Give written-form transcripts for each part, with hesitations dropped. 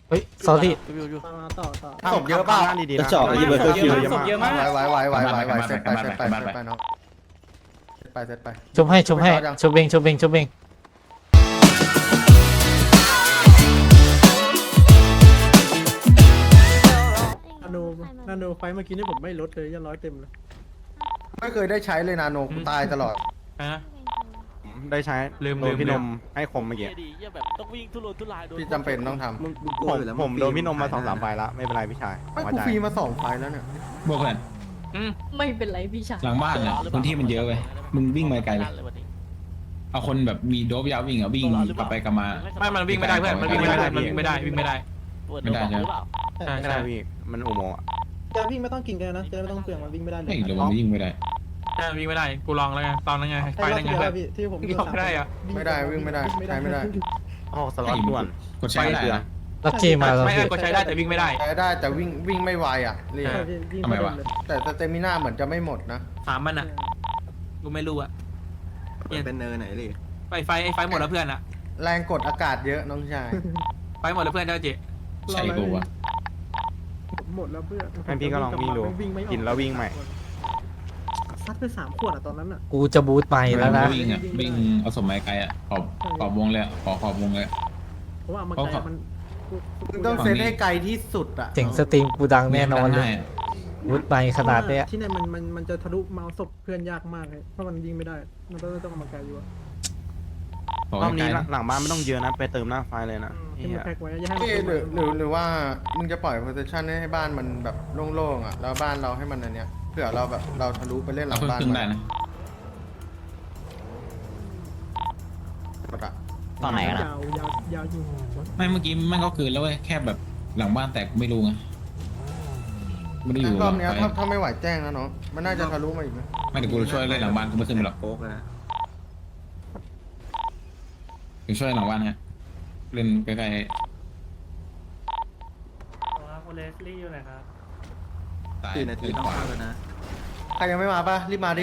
เฮ้ย sorry มาต่อศพเยอะเปล่าจะเจาะไอ้เบอร์เกอร์คิวศพเยอะมากไหวเซตไปน้องเซตไปชุบให้ชุบเองชุบเองนาโนไฟเมื่อกี้นี่ผมไม่ลดเลยยัง100 เต็มเลยไม่เคยได้ใช้เลยนาโนกูตายตลอดได้ใช้ลืมพี่นมให้คมเมื่อกี้แบบต้องวิ่งทุรนทุรายโดนพี่จำเป็นต้องทำผมโดนพี่นมมา2-3 ไฟแล้วไม่เป็นไรพี่ชายไม่กูฟรีมา2 ไฟแล้วเนี่ยบวกเพื่อนไม่เป็นไรพี่ชายหลังบ้านเนี่ยพื้นที่มันเยอะเว้ยมึงวิ่งไปไกลเลยเอาคนแบบมีโดบยาววิ่งอ่ะวิ่งกลับไปกลับมาไม่มันวิ่งไม่ได้เพื่อนมันวิ่งไม่ได้วิ่งไม่ได้ไม่ได้ใช่ไหมไม่ได้พี่มันอุโมงค์จะวิ่งไม่ต้องกินกันนะจะไม่ต้องเปลืองมันวิ่งไม่ได้เลยไม่เดี๋ยวมันวิ่งไม่ได้วิ่งไม่ได้กูลองแล้วไงตอนนั้นไงไฟนั่นไงพี่ที่ผมไม่ได้วิ่งไม่ได้ใช้ไม่ได้อ๋อสล็อตด่วนกดใช้ไม่ได้นะลักกี้มาแล้วไม่พี่ก็ใช้ได้แต่วิ่งไม่ได้ใช้ได้แต่วิ่งไม่ไวอ่ะเรียทำไมวะแต่สเตมิน่าเหมือนจะไม่หมดนะถามมันอ่ะกูไม่รู้อ่ะเป็นเนินไหนเลยไฟหมดแล้วเพื่อนอ่ะแรงกดอากาศเยอะน้องชายไฟหมดแล้วเพื่อนเจ้าเจ๊ใช่กูวะหมดแล้วเพื่อนให้พี่ก็ลองวิ่งดูกินแล้ววิ่งใหม่ซัดไป3 ขวดอ่ะตอนนั้นอ่ะกูจะบูทไปแล้วนะวิ่งอ่ะวิ่งเอาสมไม้ไกลอ่ะขอบวงเลยขอบวงเลยเพราะว่ามันมันมึงต้องเซตให้ไกลที่สุดอ่ะเจ๋งสตรีมกูดังแน่นอนเลยบูทไปขนาดเนี้ยที่ไหนมันจะทะลุเมาส์ศพเพื่อนยากมากเลยเพราะมันยิงไม่ได้มันต้องมาไกลอยู่รอบนี้หลังบ้านไม่ต้องเยอะนะไปเติมหน้าไฟเลยนะที่มันแพ็กไว้อย่าให้หรือว่ามึงจะปล่อยโพซิชันให้บ้านมันแบบโล่งๆอ่ะแล้วบ้านเราให้มันอันเนี้ยเผื่อเราแบบเราทะลุไปเล่นหลัเอางบ้านขึ้นได้นะหมดอ่ะตอนไหนกันยาวอยู่ไม่เมื่อกี้มันก็คือแล้วเว้ยแค่แบบหลังบ้านแตกไม่รู้ไงไม่ได้อยู่รอบเนี้ยถ้าไม่ไหวแจ้งนะเนาะมันน่าจะทะลุมาอีกนะไม่เดี๋ยวกูช่วยเล่นหลังบ้านกูไม่ขึ้นไปหรอกโป๊กนะกูช่วยหลังบ้านฮะเล่นใกล้คุณเลสลี่อยู่ไหนครับๆตาย 4 นาทีต้องเข้าแล้วนะใครยังไม่มาป่ะรีบมาดิ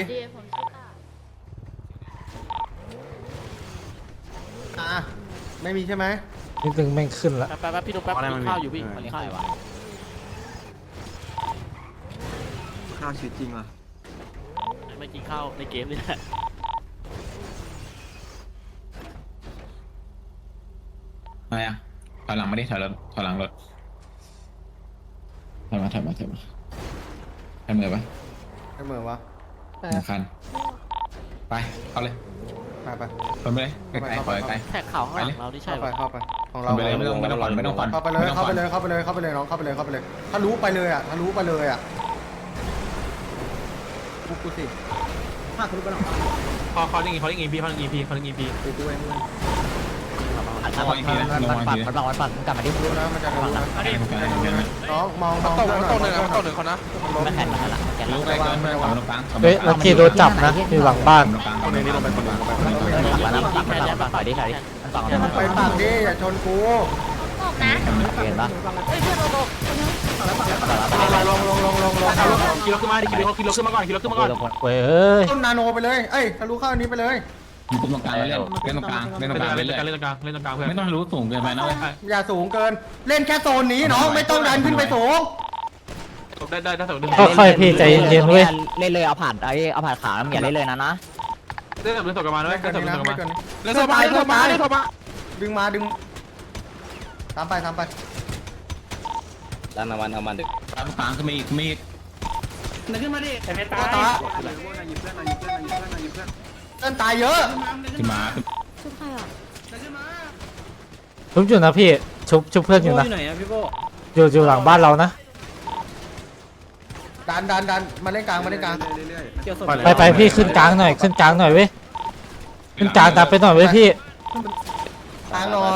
ไม่มีใช่ไหมนิดนึงแม่งขึ้นละแป๊บพี่นุ๊กแป๊บกินข้าวอยู่พี่กินข้าวอยู่ข้าวชีวิตจริงว่ะไม่กินข้าวในเกมนี่แหละอะไรอ่ะถอยหลังมาดิถอยหลังรถถอยมาให้มือไปไอ้เหมือวะสำคัญไปเอาเลยไปคนไปเลยไกลๆปล่อยไกลแท็กข่าวข้างหลังเราที่ใช่เข้าไปของเราไปเลยไม่ต้องฟันไม่ต้องฟันเข้าไปเลยน้องเข้าไปเลยถ้ารู้ไปเลยอ่ะกูสิถ้าทะลุไปหรอเขายิงพี่เขายิงพี่ไปด้วยมันปัดกลับมาที่รู้นะมันจะรู้นะน้องมองต้นหนึ่งเขานะไม่แข่งมาละแกรู้ไกลเกินเอาตรงกลางเฮ้ยลักกี้โดนจับนะอยู่หลังบ้านตรงกลางคนนี้ลงไปคนหนึ่งปัดถอยดิมันปัดไปปากดิอย่าชนกูเกินปะขี่รถขึ้นมาดิขี่รถขึ้นมาก่อนเว้ยเอ้ยต้นนาโนไปเลยเอ้ยทะลุเข้าอันนี้ไปเลยมึงกุมตรงกลางเล่นตรงกลางเล่นตรงกลางเรื่อยเล่นตรงกลางเพื่อนไม่ต้องรู้สูงเกินไปนะเว้ยอย่าสูงเกินเล่นแค่โซนนี้น้องไม่ต้องดันขึ้นไปสูงได้ถ้าสมมติค่อยๆพี่ใจเย็นๆเว้ยเล่นเลยเอาผ่านขาอย่าเล่นเลยนะได้สมมติตกกันมาด้วยไม่เกินนี้นะไม่เกินนี้เล่นโซบายดึงมาตามไปดันมันทำมันตามกลางขึ้นมาอีกขึ้นมาดิแต่ไม่ตายเล่นตายเยอะขึ้นมาชุบใครอ่ะชุบอยู่นะพี่ชุบเพื่อนอยู่นะอยู่หลังบ้านเรานะดันมาเล่นกลางเรื่อยไปพี่ขึ้นกลางหน่อยเว้ยขึ้นกลางตามไปหน่อยเว้ยพี่กลางหน่อย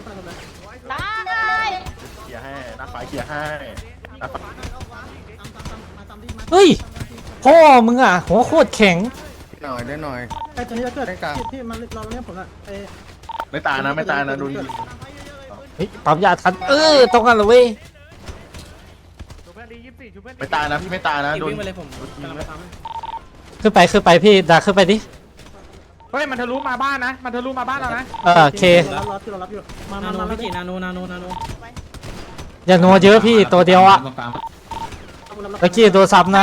เฮ้ยพ่อมึงอ่ะหัวโคตรแข็งได้หน่อยไอ้ตัวนี้จะเกิดที่มันเราเนี่ยผมอ่ะไอ้ไม่ตายนะโดนยิงเฮ้ยปั๊มยาทันต้องกันเลยเว้ยไม่ตายนะพี่ไม่ตายนะโดนขึ้นไปพี่ดาขึ้นไปดิเฮ้ยมันทะลุมาบ้านนะเรานะโอเคเรารับอยู่มาพี่นาโนอย่านัวเยอะพี่ตัวเดียวอะตะกี้ตัวซับนะ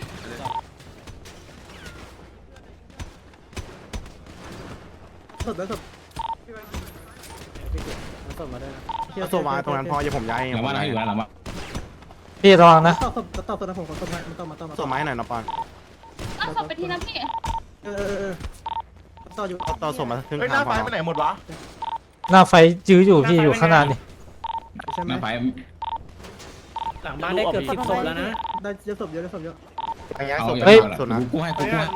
ศพแล้วศพเอาศพมาตรงนั้นพออย่าผมย้ายเองหลังบ้านเราอยู่แล้วหลังบ้านพี่ระวังนะต่อศพต่อศพนะผมขอศพมันต่อมาต่อมาศพไม้หน่อยนะปอนเอาศพไปทีนะพี่ต่ออยู่ต่อศพมาครึ่งเฮ้ยหทาน้างพไฟอไปไหนหมดวะหน้าไฟยื้ออยู่พี่อยู่ข้างหน้านี่ใช่ไหมหน้าไฟหลังบ้านได้เกือบ10 ศพแล้วนะได้เยอะศพเยอะเยอะอย่างเงี้ยเอาศพเฮ้ยกูให้แพ็คไว้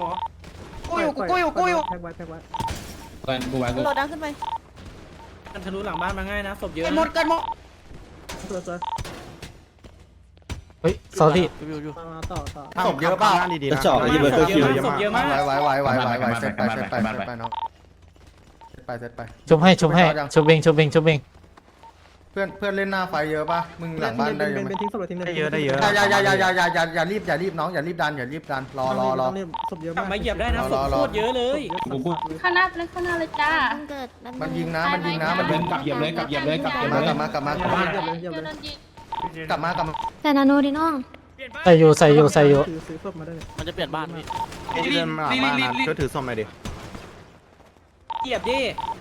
กูไว้กูโหลดดังขึ้นไปมันทะลุหลังบ้านมาง่ายนะศพเยอะกันหมดกันหมดสวยเฮ้ย sorry มาต่อศพเยอะเปล่าดีๆนะที่เบอร์เกอร์คิวเยอะศพมากเยอะมากไหวเซตไปน้องเซตไปชุบให้ชุบเบงเพื่อนเล่นหน้าไฟเยอะป่ะมึงหลังบ้านได้ยังเป็นทิ้งศพเลยทิ้งเลยอย่ารีบดันรอศพเยอะกลัมาบกมาเหยียบได้นะศพโคตรเยอะเลยกูข้างหน้าเลยข้างหน้าเลยจ้ามันยิงนะมันยิงกลับเหยียบเลยกลับเหยียบเลยกลับเหยียบมาเลยกลับมาเดี๋ยวโดนยิงกลับมาแต่นาโนดิน้องใส่อยู่ซื้อศพมาได้เลยมันจะเปลี่ยนบ้านพี่เดินมาหลังบ้านนะช่วยถือศพหน่อยดิเหยียบดิ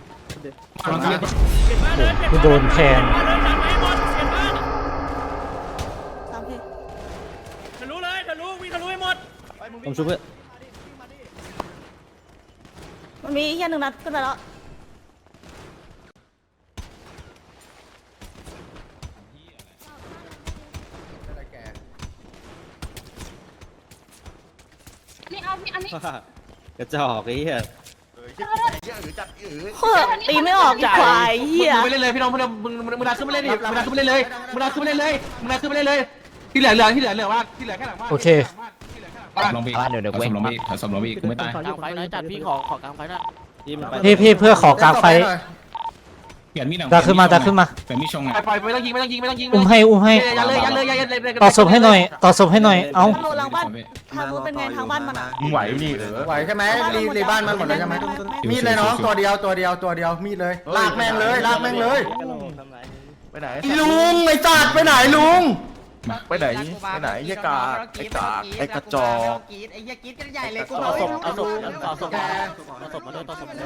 กูโดนแทงทะลุเลยทะลุวิ่งทะลุให้หมดผมช่วยเพื่อนมันมีแค่หนึ่งนัดขึ้นไปแล้ว นี่เอาพี่อันนี้กระจอกไอ้เหี้ยตีไม่ออกอีกควายเหี้ยมึงไปเล่นเลยพี่น้องมึงดันขึ้นไปเล่นดิมึงดันขึ้นไปเล่นเลยมึงดันขึ้นไปเล่นเลยมึงดันขึ้นไปเล่นเลยที่เหลือว่าที่เหลือแค่หลังบ้านโอเคลงไปลงไปสมลงไปกูไม่ตายกลางไฟน้อยจัดพี่ขอกลางไฟนะที่มันไปพี่เพื่อขอกลางไฟเปลี่ยนมีดดันขึ้นมาเปลี่ไปยนมีดชงไงไม่ต้องยิงอุ้มให้ยันเลยต่อศพให้หน่อยเอ้าทางโน้นหลังบ้านทางนู้นเป็นไงทางบ้านมันอ่ะมึงไหวนี่ไหวใช่ไหมรีบ้านมันหมดแล้วใช่ไหมมีดเลยน้องตัวเดียวมีดเลยลากแม่งเลยไปไหนลุงไอ้จัดไปไหนลุงไปไหนไอ้กากไอ้กระจอกไอ้เหี้ยกรี๊ดกันใหญ่เลยกูเอาศพมาด้วยต่อศพ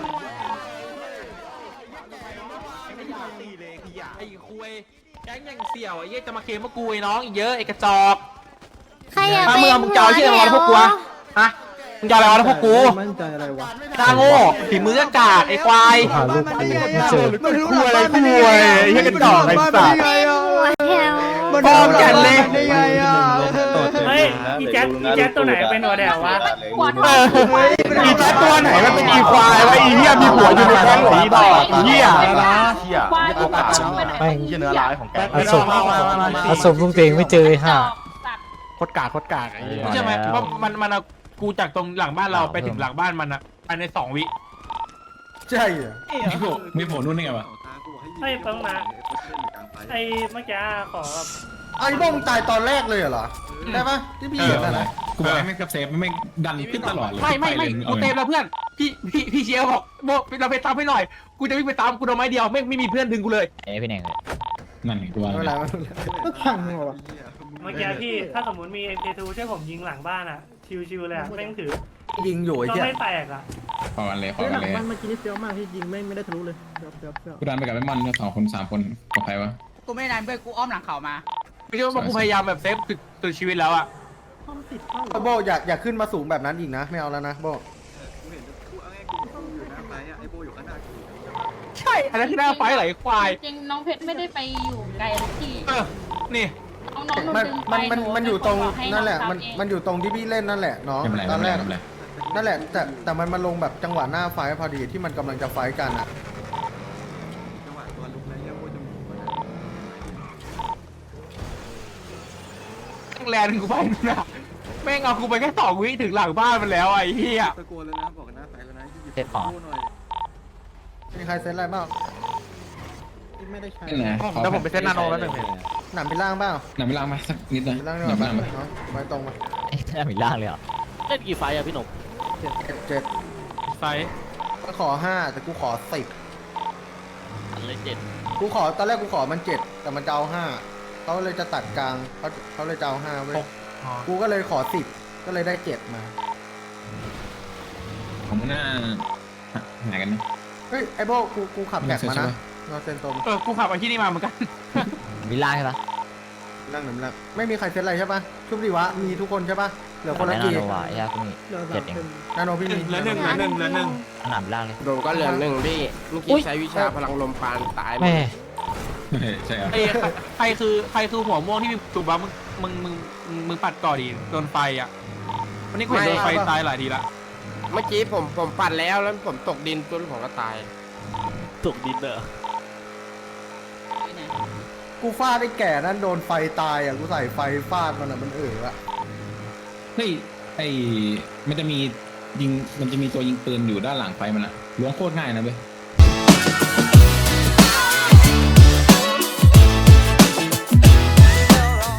ไอ้คุยแก๊งยังเสี่ยวไอ้เหี้ยจะมาเคลมว่ากูไอ้น้องอีกเยอะไอ้กระจอกใครอยากถ้าเป็นมึงจะเอาที่อะไรวะพวกกูฮะมึงจะอะไรวะพวกกูมั่นใจอะไรวะตาโง่ฝีมือกากไอ้ควายหาลูกกูไม่เจอมันคุยอะไรไอ้เหี้ยกระจอกไอ้สัตว์พร้อมกันเลยเฮ้ยอีแจ๊ดตัวไหนเป็นหัวแดววะอีแจ๊ตัวไหนมันเป็นอีควายวะอีเหี้ยมีหัวอยู่ในแข้งหรืออีดอกเหี้ยเหี้ยตัวกาเหี้ยเนื้อร้ายของแกเอาศพลูกตัวเองไม่เจอห่าโคตรกากไอ้เหี้ยใช่ไหมว่ามันเอากูจากตรงหลังบ้านเราไปถึงหลังบ้านมันอะภายใน2 วิใช่เหรอมีผลนู่นนี่ไงวะไอ้เพิ่งมาไอ้เมื่อกี้ขอแบบไอ้บ้องตายตอนแรกเลยเหรอได้ปะที่พี่เห็นนะกูบอกให้ไม่กับเซฟไม่ดันขึ้นตลอดเลยไม่กูเต็มแล้วเพื่อนพี่เชียร์บอกโบเราไปตามให้หน่อยกูจะวิ่งไปตามกูโดนไม้เดียวไม่มีเพื่อนดึงกูเลยพี่เน่งเลยนั่นกูว่าไม่เป็นไรก็พังหัวเมื่อกี้พี่ถ้าสมมติมี MK2 ช่วยผมยิงหลังบ้านอะชิวๆเลยอะแม่งถือยิงอยู่ไอ้ก็เหี้ยไม่แตกอะพอกันเลยหลังบ้านเมื่อกี้นี่เฟี้ยวมากที่ยิงไม่ได้ทะลุเลยเดี๋ยวกูดันไปกับไอ้มัน2 คน 3 คนกับใครวะกูไม่นานเพื่อนกูอ้อมหลังเขามาไม่ใช่ว่ากูพยายามแบบเซฟสุดชีวิตแล้วอะห้องติดเข้าโบอย่าขึ้นมาสูงแบบนั้นอีกนะไม่เอาแล้วนะโบใช่อันนั้นคือหน้าไฟไหลควายจริงน้องเพชรไม่ได้ไปอยู่ไกลที่นี่น้องมันอยู่ตรงนั่นแหละมันอยู่ตรงที่พี่เล่นนั่นแหละน้องไม่เป็นไรตอนแรกไม่เป็นไรนั่นแหละแต่มันมาลงแบบจังหวะหน้าไฟพอดีที่มันกำลังจะไฟกันอ่ะแลนกูไปนะแม่งเอากูไปแค่2 วิถึงหลังบ้านมันแล้วไอ้เหี้ยเซ็ตของมีใครเซ็ตอะไรบ้างไม่ได้ใช้นั่นแหละเดี๋ยวผมไปเซตนาโนแล้วหนึ่งหนามไปล่างเปล่าหนังไม่ล้างมาสักนิดหน่อยไปล่างดีหกนัว่างไม่ป่ะล้างมาเนาะไว้ตรงมาแค่มีล่างเลยเหรอเล่นกี่ไฟอะพี่หนุ่ม 7 ไฟก็ขอ5แต่กูขอ10 อันเลย7 กูขอตอนแรกกูขอมัน7แต่มันจะเอา5 เขาเลยจะตัดกลางเขาเลยจะเอา5เว้ยกูก็เลยขอ10ก็เลยได้7มาผมหน้าหายกันนะเฮ้ยไอ้โบกูขับแบกมานะนอเซนตมกูขับไปที่นี่มาเหมือนกันวิลล่าใช่ปะนั่งหนึ่งแล้วไม่มีใครเซ็ตอะไรใช่ปะชุบดีวะมีทุกคนใช่ปะเหลือคนละแน่นอกี่นว่ะไอ้ยากูนี่เดี๋ยวเจ็ดเองนาโนพี่มีเหลือหนึ่งสนามล่างเลยโดนก็เหลือ1พี่เมื่อกี้ใช้วิชาพลังลมปานตายแม่ใช่ครับใครคือหัวม่วงที่มีถูกบ้ามึงปัดก่อดีโดนไฟอ่ะวันนี้กูเห็นโดนไฟตายหลายทีละเมื่อกี้ผมปัดแล้วผมตกดินจนผมก็ตายตกดินเด้อกูฟาดไอ้แก่นั่นโดนไฟตายอ่ะกูใส่ไฟฟาดมันอ่ะมันอะเฮ้ยมันจะมีตัวยิงปืนอยู่ด้านหลังไฟมันอะล้วงโคตรง่ายนะเว้ย